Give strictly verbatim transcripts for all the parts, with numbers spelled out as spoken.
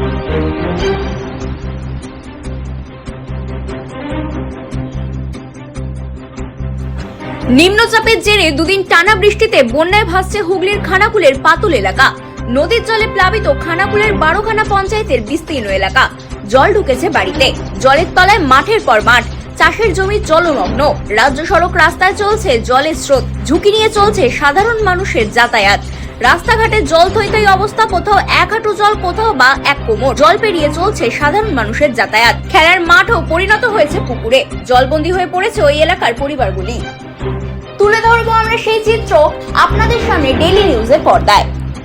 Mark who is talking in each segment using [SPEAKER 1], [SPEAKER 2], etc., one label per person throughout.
[SPEAKER 1] নিম্নচাপের জেরে দুদিন টানা বৃষ্টিতে বন্যায় ভাসছে হুগলির খানাকুলের পাতুল এলাকা। নদীর জলে প্লাবিত খানাকুলের বারোখানা পঞ্চায়েতের বিস্তীর্ণ এলাকা। জল ঢুকেছে বাড়িতে, জলের তলায় মাঠের পর মাঠ, চাষের জমি জলমগ্ন। রাজ্য সড়ক রাস্তায় চলছে জলের স্রোত, ঝুঁকি নিয়ে চলছে সাধারণ মানুষের যাতায়াত। রাস্তাঘাটে জল থই থই অবস্থা, কোথাও এক হাঁটু জল, কোথাও বা এক কোমর। জল পেরিয়ে চলছে সাধারণ মানুষের যাতায়াত। খেলার মাঠও পরিণত হয়েছে পুকুরে। জলবন্দী হয়ে পড়েছে ওই এলাকার পরিবারগুলি। তুলে ধরবো আমরা সেই চিত্র আপনাদের সামনে ডেইলি নিউজের পর্দায়।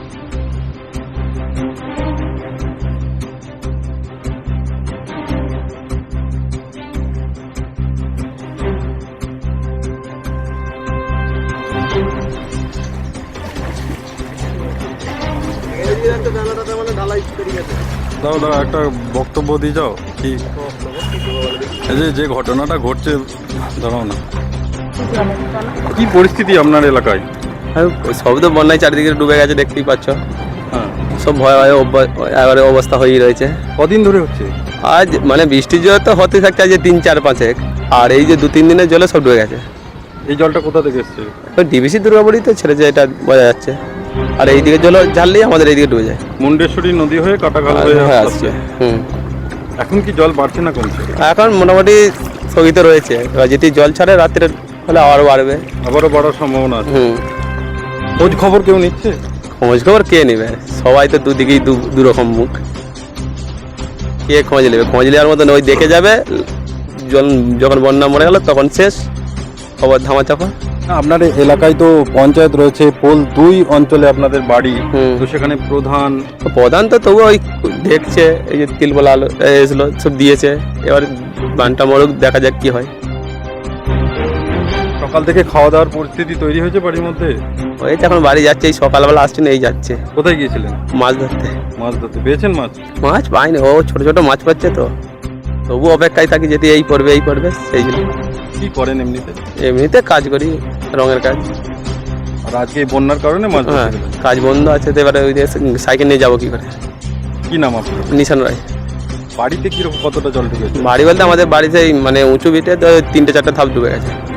[SPEAKER 2] দাও দাও একটা বক্তব্য দিয়ে যাও। কি এই যে যে ঘটনাটা ঘটছে, দাঁড়াও না, কি পরিস্থিতি আপনার এলাকায়?
[SPEAKER 3] সব তো বন্যায় চারিদিকে ডুবে গেছে, দেখতেই পাচ্ছ।
[SPEAKER 2] হ্যাঁ,
[SPEAKER 3] সব ভয় ভয় এবারে অবস্থা হয়েই রয়েছে।
[SPEAKER 2] কদিন ধরে হচ্ছে?
[SPEAKER 3] আজ মানে বৃষ্টির জল তো হতে থাকছে আজ তিন চার পাঁচেক, আর এই যে দু তিন দিনের জলে সব ডুবে গেছে।
[SPEAKER 2] এই জলটা কোথা থেকে এসছে?
[SPEAKER 3] ডিবিসি দুর্গাবাড়ি তো ছেড়েছে, এটা বোঝা যাচ্ছে। আর এইদিকে জল ঝাললেই আমাদের এইদিকে ডুবে যায়।
[SPEAKER 2] মুন্ডেশ্বরী নদী হয়ে কাটাখাল হয়ে আসছে।
[SPEAKER 3] হুম,
[SPEAKER 2] এখন কি জল বাড়ছে না কমছে?
[SPEAKER 3] এখন মোটামুটি স্থগিত রয়েছে। এবার যেটি জল ছাড়ে রাত্রে হলে আবারও বাড়বে,
[SPEAKER 2] আবারও বাড়ার সম্ভাবনা আছে।
[SPEAKER 3] হুম,
[SPEAKER 2] খোঁজ খবর কেউ নিচ্ছে?
[SPEAKER 3] খোঁজ খবর কে নেবে? সবাই তো দুদিকেই দু দু রকম মুখ। কে খোঁজ নেবে? খোঁজ নেওয়ার মতন ওই দেখে যাবে, জল যখন বন্যা মরে গেল তখন শেষ, খবর ধামাচাপা।
[SPEAKER 2] আপনার এলাকায় তো পঞ্চায়েত রয়েছে, পোল দুই অঞ্চলে আপনাদের বাড়ি,
[SPEAKER 3] হুম।
[SPEAKER 2] তো সেখানে প্রধান
[SPEAKER 3] প্রধান তো তবু ওই দেখছে, এই যে তিলবলা আলো এসলো সব দিয়েছে, এবার বানটা মরুক, দেখা যাক কি হয়।
[SPEAKER 2] সকাল থেকে খাওয়া দাওয়ার পরিস্থিতি তৈরি হয়েছে বাড়ির মধ্যে?
[SPEAKER 3] ওই তো এখন বাড়ি যাচ্ছে, এই সকালবেলা আসছে না, এই যাচ্ছে
[SPEAKER 2] কোথায় গিয়েছিলেন?
[SPEAKER 3] মাছ ধরতে।
[SPEAKER 2] মাছ ধরতে পেয়েছেন মাছ?
[SPEAKER 3] মাছ পাইনি, ও ছোট ছোট মাছ পাচ্ছে তো, তবু অপেক্ষায় থাকি যেটি এই পড়বে এই পড়বে, সেই জন্য।
[SPEAKER 2] কি করেন এমনিতে?
[SPEAKER 3] এমনিতে কাজ করি, রঙের কাজ।
[SPEAKER 2] আর আজকে এই বন্যার কারণে মাছ
[SPEAKER 3] হ্যাঁ,
[SPEAKER 2] ধরতে গেলেন?
[SPEAKER 3] কাজ বন্ধ আছে তো, এবারে ওই যে সাইকেল নিয়ে যাবো কি করে।
[SPEAKER 2] কি নাম আপনার?
[SPEAKER 3] নিশান রায়।
[SPEAKER 2] বাড়িতে কিরকম কতটা জল ঢুকেছে?
[SPEAKER 3] বাড়ি বলতে আমাদের বাড়িতে মানে উঁচু ভিটে তো তিনটে চারটে ধাপ ডুবে গেছে।